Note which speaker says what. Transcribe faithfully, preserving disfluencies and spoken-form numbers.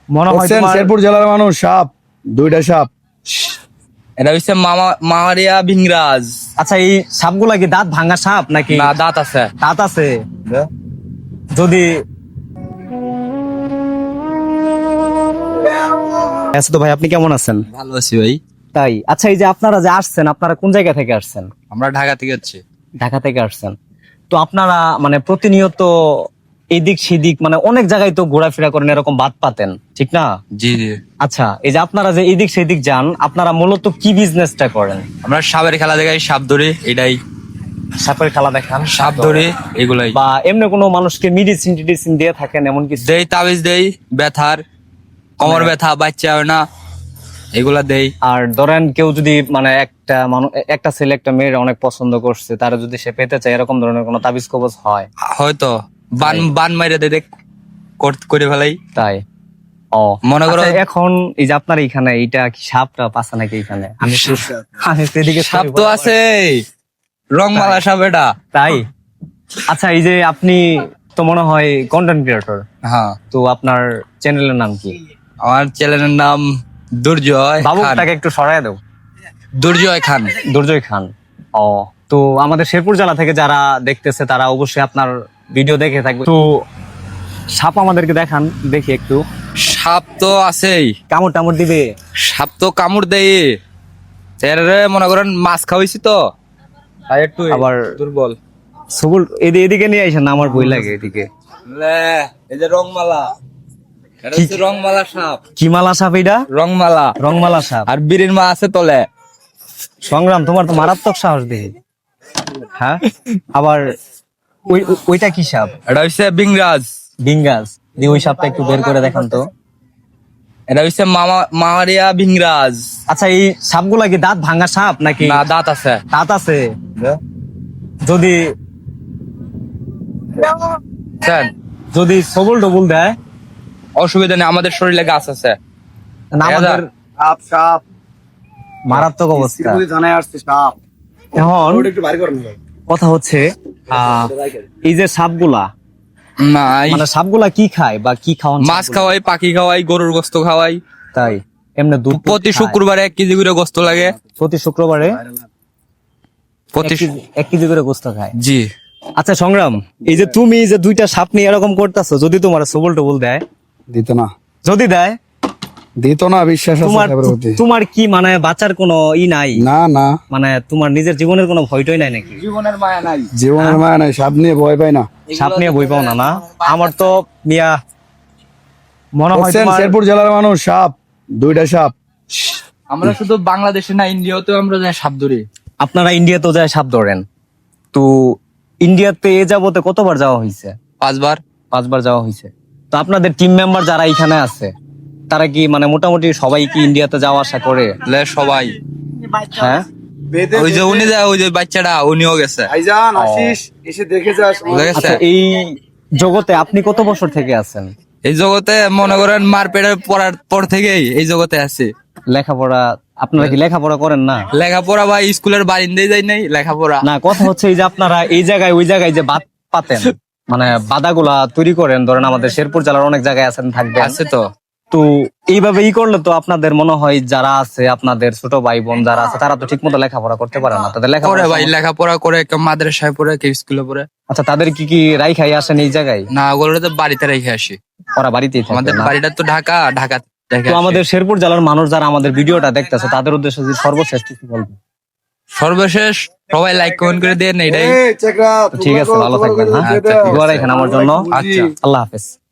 Speaker 1: মনে হয় তোমার
Speaker 2: শেরপুর জেলার মানুষ সাপ দুইটা সাপ
Speaker 3: এটা হচ্ছে মামা মামারিয়া ভিংরাজ।
Speaker 1: আচ্ছা এই সাপগুলা কি দাঁত ভাঙা সাপ নাকি
Speaker 3: না, দাঁত আছে।
Speaker 1: দাঁত আছে? যদি আচ্ছা তো ভাই আপনি কেমন আছেন?
Speaker 3: ভালো আছি ভাই।
Speaker 1: তাই আচ্ছা এই যে আপনারা যে আসছেন আপনারা কোন জায়গা থেকে আসছেন?
Speaker 3: আমরা ঢাকা থেকে যাচ্ছি।
Speaker 1: ঢাকা থেকে আসছেন তো আপনারা মানে প্রতিনিয়ত এদিক সেদিক মানে অনেক জায়গায় তো ঘোরাফেরা করেন, এরকম বাদ পাতেন ঠিক না?
Speaker 3: জি জি।
Speaker 1: আচ্ছা এই যে আপনারা যে এদিক সেদিক যান আপনারা মূলত কি বিজনেসটা করেন?
Speaker 3: আমরা সাপের খেলা দেখাই, সাপ ধরে, এটাই
Speaker 1: সাপের খেলা দেখান,
Speaker 3: সাপ ধরে এগুলাই।
Speaker 1: বা এমনি কোনো মানুষকে মেডিসিন টিডিসিন দিয়ে থাকেন এমন কিছু?
Speaker 3: দেই, তাবিজ দেই, ব্যথার, কোমর ব্যথা, বাচ্চা হয় না, এগুলা দেই।
Speaker 1: আর ধরেন কেউ যদি মানে একটা মানুষ একটা ছেলে একটা মেয়ের অনেক পছন্দ করছে, তারা যদি সে পেতে চায় এরকম ধরনের কোনো তাবিজ কবজ হয়?
Speaker 3: হয়তো বান বান মাইরে দে দেখ করে ফেলাই।
Speaker 1: তাই ও
Speaker 3: মনে করো
Speaker 1: আচ্ছা, এখন এই যে আপনার এখানে এইটা কি সাপটা পাশা নাকি এখানে? আমি তো- আমি সেদিকে
Speaker 3: সাপ তো আছে, রংমালা সাপ এটা।
Speaker 1: তাই আচ্ছা এই যে আপনি তো মনে হয় কন্টেন্ট ক্রিয়েটর,
Speaker 3: হ্যাঁ,
Speaker 1: তো আপনার চ্যানেলের নাম কি?
Speaker 3: আমার চ্যানেলের নাম দুর্জয় খান।
Speaker 1: বাবুটাকে একটু সরায় দাও।
Speaker 3: দুর্জয় খান।
Speaker 1: দুর্জয় খান। ও তো আমাদের শেরপুর জেলা থেকে যারা দেখতেছে তারা অবশ্যই আপনার ভিডিও দেখে থাকবে। তো সাপ আমাদেরকে দেখান দেখি একটু।
Speaker 3: সাপ তো আছেই,
Speaker 1: কামড় টামড় দিবে?
Speaker 3: সাপ তো কামড় দেয়। ছেড়ে মনে করেন মাছ খাওয়াইছি তো তাই একটু
Speaker 1: আবার
Speaker 3: দুর্বল।
Speaker 1: সবুল এদি- এদিকে নিয়ে আইসেন না, আমার বই লাগে এদিকে।
Speaker 3: লে, এই যে রংমালা, এটা হচ্ছে রংমালা সাপ।
Speaker 1: কি মালা সাপ এটা?
Speaker 3: রংমালা।
Speaker 1: রংমালা সাপ।
Speaker 3: আর বীরের মা আছে তলে।
Speaker 1: সংগ্রাম তোমার তো মারাত্মক সাহস দেখি। হ্যাঁ আবার ওই ওই- ওইটা কি সাপ?
Speaker 3: এটা হচ্ছে বিংরাজ।
Speaker 1: বিঙ্গাস দিয়ে ওই সাপটা একটু বের করে দেখান তো।
Speaker 3: এটা হচ্ছে মামা মামারিয়া ভিংরাজ।
Speaker 1: আচ্ছা এই সাপগুলা কি দাঁত ভাঙা সাপ নাকি
Speaker 3: না, দাঁত আছে।
Speaker 1: দাঁত আছে? যদি
Speaker 3: স্যার,
Speaker 1: যদি সবল ডবল দেয়?
Speaker 3: অসুবিধা নেই, আমাদের শরীরে গাছ আছে।
Speaker 1: না, আমাদের
Speaker 2: সাপ সাপ
Speaker 1: মারাত্মক অবস্থা।
Speaker 2: শ্রীপুরি থানায় আসছে সাপ।
Speaker 1: এখন
Speaker 2: ওটা একটু বাইরে করেন না।
Speaker 1: কথা হচ্ছে আহ, এই যে সাপগুলা
Speaker 3: না, এই
Speaker 1: মানে সাপগুলা কি খায় বা কি খাওয়ান?
Speaker 3: মাছ খাওয়াই, পাখি খাওয়াই, গরুর গোস্ত খাওয়াই।
Speaker 1: তাই এমনি দুধ টুধ
Speaker 3: প্রতি
Speaker 1: খায়?
Speaker 3: শুক্রবারে এক কেজি করে গোস্ত লাগে।
Speaker 1: প্রতি শুক্রবারে
Speaker 3: প্রতি
Speaker 1: এক কেজি- এক কেজি করে গোস্ত খায়।
Speaker 3: জি।
Speaker 1: আচ্ছা সংগ্রাম, এই যে তুমি যে দুইটা সাপ নিয়ে এরকম করতেছো, যদি তোমার সবল টবল দেয়?
Speaker 2: দিত না
Speaker 1: যদি দেয়
Speaker 2: দিত না, বিশ্বাস আছে
Speaker 1: তোমার
Speaker 2: সাপের প্রতি।
Speaker 1: তোমার কি মানে বাঁচার কোনো ই নাই?
Speaker 2: না না,
Speaker 1: মানে তোমার নিজের জীবনের কোনো ভয়টই নাই নাকি?
Speaker 3: জীবনের মায়া নাই।
Speaker 2: জীবনের মায়া নাই, সাপ নিয়ে ভয় পাই না।
Speaker 1: সাপ নিয়ে বই পাও না? না আমার তো মিয়া মনে হয়
Speaker 2: বুঝছেন,
Speaker 1: তোমার
Speaker 2: শেরপুর জেলার মানুষ সাপ দুইটা সাপ।
Speaker 3: আমরা শুধু বাংলাদেশে না, ইন্ডিয়াতেও আমরা যাই সাপ ধরি।
Speaker 1: আপনারা ইন্ডিয়াতেও যায় সাপ ধরেন, তো ইন্ডিয়াতে এ যাবতে কতবার যাওয়া হয়েছে?
Speaker 3: পাঁচবার।
Speaker 1: পাঁচবার যাওয়া হয়েছে। তো আপনাদের টিম মেম্বার যারা এখানে আছে তারা কি মানে মোটামুটি সবাই কি ইন্ডিয়াতে যাওয়া আসা করে?
Speaker 3: লে, সবাই।
Speaker 1: হ্যাঁ
Speaker 3: ওই যে উনি যায়, ওই যে বাচ্চাটা, উনিও গেছে।
Speaker 2: ভাইজান আসিস, এসে দেখে যাস।
Speaker 3: বুঝা গেছে?
Speaker 1: আচ্ছা এই জগতে আপনি কত বছর থেকে আছেন?
Speaker 3: এই জগতে মনে করেন মার পেটের পড়ার পর থেকেই এই জগতে আছে।
Speaker 1: লেখাপড়া আপনারা কি লেখাপড়া করেন না?
Speaker 3: লেখাপড়া ভাই স্কুলের বারিন্দায় যাই নাই লেখাপড়া।
Speaker 1: না কথা হচ্ছে এই যে আপনারা এই জায়গায় ওই জায়গায় যে বাদ পাতেন মানে বাদাগুলা তৈরি করেন, ধরেন আমাদের শেরপুর জেলার অনেক জায়গায় আছেন থাকবেন,
Speaker 3: আছে তো।
Speaker 1: তো এইভাবে ই করলে তো আপনাদের মনে হয় যারা আছে আপনাদের ছোট ভাই বোন যারা আছে তারা তো ঠিক মতো লেখাপড়া করতে পারে না, তাদের
Speaker 3: করে
Speaker 1: লেখাপড়া
Speaker 3: ভাই, লেখাপড়া করে, কেউ মাদ্রাসায় পড়ে, কেউ স্কুলে পড়ে।
Speaker 1: আচ্ছা তাদের কি কি রাই খাই আসেন এই জায়গায়?
Speaker 3: না, ওগুলো তো বাড়িতে রেখে আসি।
Speaker 1: ওরা বাড়িতেই থাকে
Speaker 3: আমাদের
Speaker 1: না?
Speaker 3: বাড়িটা তো ঢাকা, ঢাকা রেখে
Speaker 1: তো
Speaker 3: আসি।
Speaker 1: আমাদের শেরপুর জেলার মানুষ যারা আমাদের ভিডিওটা দেখতেছে তাদের উদ্দেশ্যে যদি সর্বশেষ কিছু বলবো?
Speaker 3: সর্বশেষ সবাই লাইক কমেন্ট করে দেন, এটাই।
Speaker 2: এই চেকরা,
Speaker 1: ঠিক আছে, ভালো থাকবেন। হ্যাঁ
Speaker 3: আচ্ছা, ঠিক আছে।
Speaker 1: দোয়া রাখেন আমার জন্য।
Speaker 3: আচ্ছা।
Speaker 1: আল্লাহ হাফেজ।